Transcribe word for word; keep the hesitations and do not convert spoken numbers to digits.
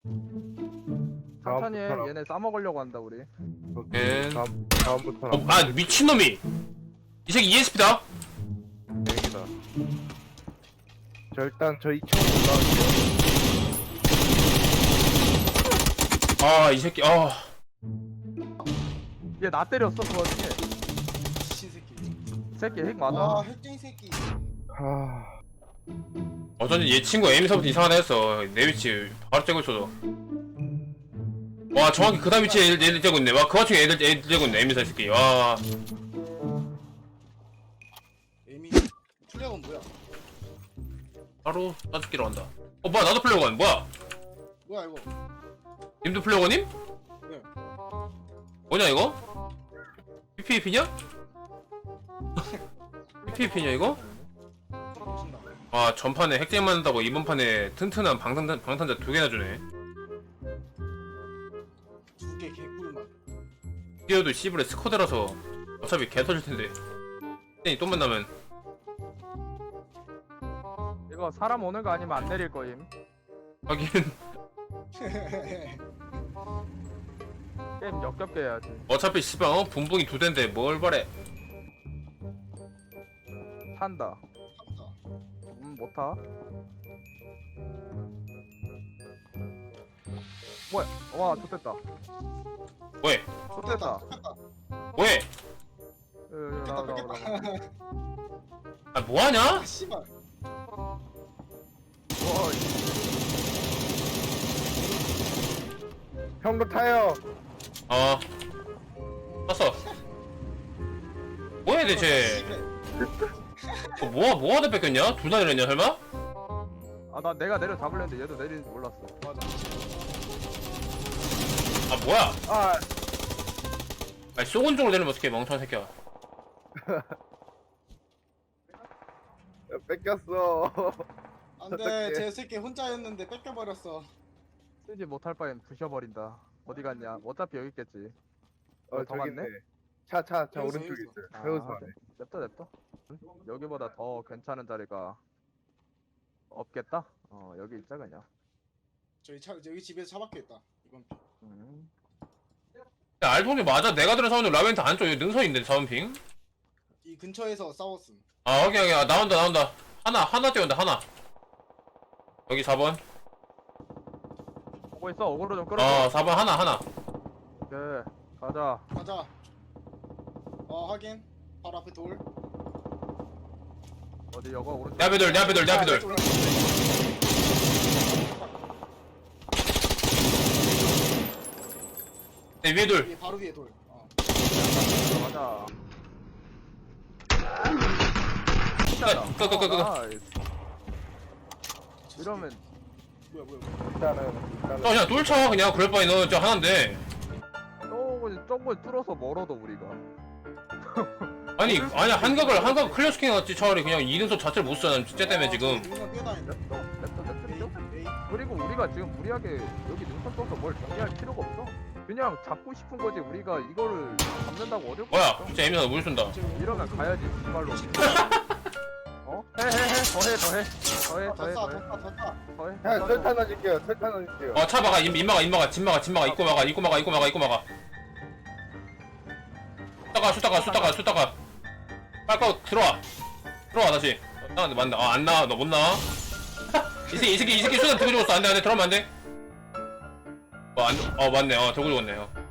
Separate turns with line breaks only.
천천히 해.
다음부터는-
얘네 싸먹으려고 한다 우리.
오케이.
네.
다음 다음부터는
어, 아 미친놈이 이 새끼 이에스피다.
여기다. 저 일단 저 이 층으로 올라갈게요.
아 이 새끼 아
얘 나 때렸어 그 와중에.
미친 새끼.
새끼 핵
아
맞아.
핵쟁이 새끼.
아,
어쩐지 얘 친구 에임서부터 이상하다 했어. 내 위치 바로 째고 있어서. 와 정확히 그 다음 위치에 애들, 애들 째고 있네. 와 그 와중에 애들 애들 째고 있네. 에임서 새끼. 와
에미 플레어건 뭐야?
바로 따죽기로 한다. 어 뭐야 나도 플레어건 뭐야?
뭐야 이거?
님도 플레어건님?
네.
뭐냐 이거? 피피피냐? 피피피냐 이거?
미친다.
아 전판에 핵쟁이 맞는다고 이번 판에 튼튼한 방탄, 방탄자 두 개나 주네.
두개 개꿀맛.
뛰어도 씨부레 스쿼드라서 어차피 개 터질 텐데. 핵쟁이 또 만나면
이거 사람 오는 거 아니면 안 내릴 거임.
하긴
게임 역겹게 해야지.
어차피 씨발 어? 분봉이 두 대인데 뭘 바래.
탄다.
참다.
음, 못 타. 뭐야? 와, 좋됐다.
왜?
좋됐다.
왜?
으, 나와, 나와, 나와.
아 뭐하냐?
아 씨발.
와,
형도 타요.
어 탔어. 뭐야 대체. 어, 뭐하 뭐하다 뺏겼냐? 둘 다 내렸냐 설마?
아, 나 내가 내려 잡으려는데 얘도 내리는 줄 몰랐어.
맞아.
아 뭐야?
아,
아니 쏘은 쪽으로 내리면 어떡해 멍청한 새끼야.
뺏겼어.
안돼
어떡해.
제 새끼 혼자였는데 뺏겨버렸어.
쓰지 못할 바엔 부셔버린다. 어디 갔냐? 어차피 여기 있겠지.
어,
더
저기
많네?
있네. 차, 차, 차
여기서,
오른쪽에
여기서.
있어요.
아,
세우서 안에.
냅둬, 냅둬. 응? 여기보다 더 괜찮은 자리가 없겠다? 어, 여기 있자, 그냥.
저희 차 여기 집에서 차 박혀 있다. 이번 피.
음.
야 알통이 맞아. 내가 들은 사운드 라벤트 안쪽 여기 능선인데 사운핑.
이 근처에서 싸웠음.
아 오케이 오케이 아, 나온다 나온다. 하나 하나 뛰어온다 하나. 여기 사 번.
보고 있어, 어그로 좀 끌어.
어 사 번 하나 하나.
오케이, 가자.
가자. 어 확인. 바로 앞에 돌.
어디, 여거 오른쪽.
내 앞에 돌 내 앞에 돌 내 앞에 돌. 내 위에 돌.
위에 바로 위에 돌. 어.
가자.
끝, 끝, 끝, 끝, 끝.
나이스. 이러면
뭐야 뭐야. 뭐야.
일단은, 일단은.
어 그냥 뚫쳐 그냥 그럴 바에 너저 하나인데.
조금 조금 뚫어서 멀어도 우리가.
아니 아니야 한각을 한각 클리어 시켜놨지 차라리 그냥 이능선 자체를 못 쓰잖아 진짜 때문에 지금.
능선 뛰어다닌다.
냅둬, 냅둬, 냅둬,
에이
냅둬.
에이.
그리고 우리가 지금 무리하게 여기 능선 써서 뭘 정리할 필요가 없어. 그냥 잡고 싶은 거지. 우리가 이거를 잡는다고 어려울 거
뭐야
없어.
진짜 에미사 물 쏜다.
이러면 가야지 정말로. 어? 해해해 더해 더해 더해
아,
더해
졌다
더해
졌다 졌다.
더해.
형, 설탕 넣어줄게요. 설탕 넣어줄게요.
어 차 막아 임, 임 막아 임 막아 집 막아 집 막아 입고 막아 입고 막아 입고 막아 입고 막아. 숫다가 숫다가 숫다가 숫다가. 빨리 들어와 들어와 다시. 아 맞나 아안 나와 너 못 나와. 이 새끼 이 새끼 이 새끼 수단 들고 죽었어 안돼 안돼 들어오면 안돼. 어안 어 맞네 어 들고 죽었네 어.